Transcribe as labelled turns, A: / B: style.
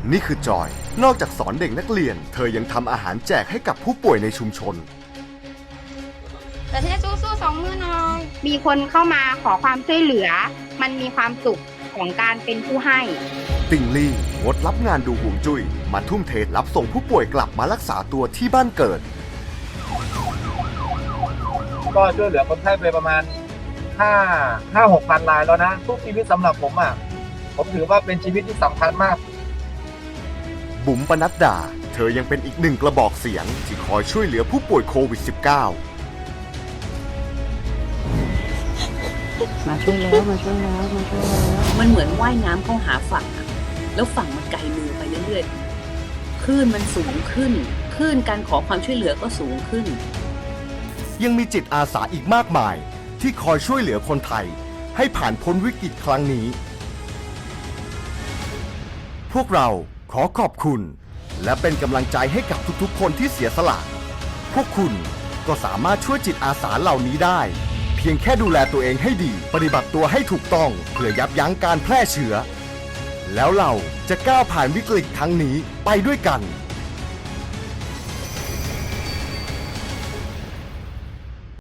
A: นี่คือจอย นอกจากสอนเด็กนักเรียน เธอยังทำอาหารแจกให้กับผู้ป่วยในชุมชน
B: แต่ฉันจะสู้ๆ2 มือหน่อย
C: มีคนเข้ามาขอความช่วยเหลือ มันมีความสุขของการเป็นผู้ให้
A: ติงลี่งดรับงานดูห่วงจุ้ยมาทุ่มเทรับส่งผู้ป่วยกลับมารักษาตัวที่บ้านเกิด
D: ก็ช่วยเหลือคนไข้ไปประมาณ6,000 รายแล้วนะทุกชีวิตสำหรับผมผมถือว่าเป็นชีวิตที่สำคัญมาก
A: บุ๋มปนัดดา เธอยังเป็นอีกหนึ่งกระบอกเสียงที่คอยช่วยเหลือผู้ป่วยโควิด -19
E: มาช่วยแล้วมันเหมือนว่ายน้ำเข้าหาฝั่งอะแล้วฝั่งมันไกลมือไปเรื่อยๆคลื่นมันสูงขึ้นคลื่นการขอความช่วยเหลือก็สูงขึ้น
A: ยังมีจิตอาสาอีกมากมายที่คอยช่วยเหลือคนไทยให้ผ่านพ้นวิกฤตครั้งนี้ พวกเราขอขอบคุณ และเป็นกำลังใจให้กับทุกๆคนที่เสียสละ พวกคุณก็สามารถช่วยจิตอาสาเหล่านี้ได้ เพียงแค่ดูแลตัวเองให้ดี ปฏิบัติตัวให้ถูกต้องเพื่อยับยั้งการแพร่เชื้อ แล้วเราจะก้าวผ่านวิกฤตครั้งนี้ไปด้วยกัน